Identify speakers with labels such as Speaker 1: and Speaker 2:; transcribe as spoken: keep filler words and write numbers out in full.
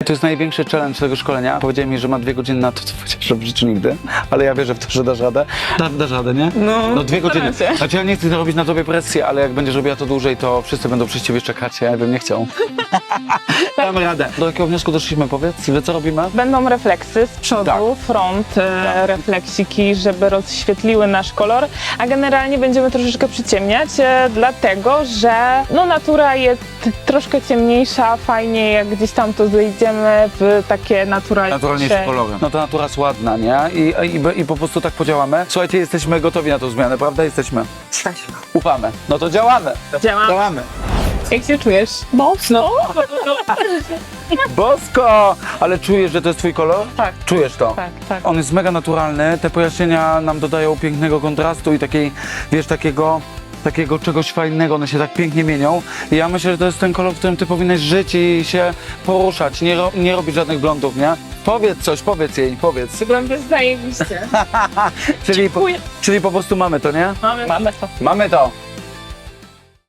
Speaker 1: To jest największy challenge tego szkolenia. Powiedzieli mi, że ma dwie godziny na to, co chociaż w życiu nigdy, ale ja wierzę w to, że dasz radę. Da, dasz radę, nie?
Speaker 2: No,
Speaker 1: No dwie godziny.
Speaker 2: staram się.
Speaker 1: Znaczy ja nie chcę robić na tobie presji, ale jak będziesz robiła to dłużej, to wszyscy będą przy ciebie czekać, ja bym nie chciał. Damy radę. Do jakiego wniosku doszliśmy, powiedz? Że co robimy?
Speaker 2: Będą refleksy z przodu,
Speaker 1: Tak.
Speaker 2: front, e, refleksiki, żeby rozświetliły nasz kolor, a generalnie będziemy troszeczkę przyciemniać, e, dlatego że no, natura jest troszkę ciemniejsza, fajnie jak gdzieś tam to zejdziemy w takie naturalniejsze...
Speaker 1: Naturalniejsze kolory. No to natura jest ładna, nie? I, i, I po prostu tak podziałamy. Słuchajcie, jesteśmy gotowi na tą zmianę, prawda? Jesteśmy. Ufamy. No to działamy.
Speaker 2: Działa.
Speaker 1: Działamy.
Speaker 2: Jak się czujesz? Mocno.
Speaker 1: Bosko! Ale czujesz, że to jest twój kolor?
Speaker 2: Tak.
Speaker 1: Czujesz to?
Speaker 2: Tak, tak.
Speaker 1: On jest mega naturalny, te pojaśnienia nam dodają pięknego kontrastu i takiej, wiesz, takiego, takiego czegoś fajnego, one się tak pięknie mienią. I ja myślę, że to jest ten kolor, w którym ty powinnaś żyć i się poruszać, nie, ro, nie robić żadnych blondów, nie? Powiedz coś, powiedz jej, powiedz.
Speaker 2: Wygląda zajebiście.
Speaker 1: Czyli po,
Speaker 2: Dziękuję.
Speaker 1: czyli po prostu mamy to, nie?
Speaker 2: Mamy, mamy to.
Speaker 1: Mamy to.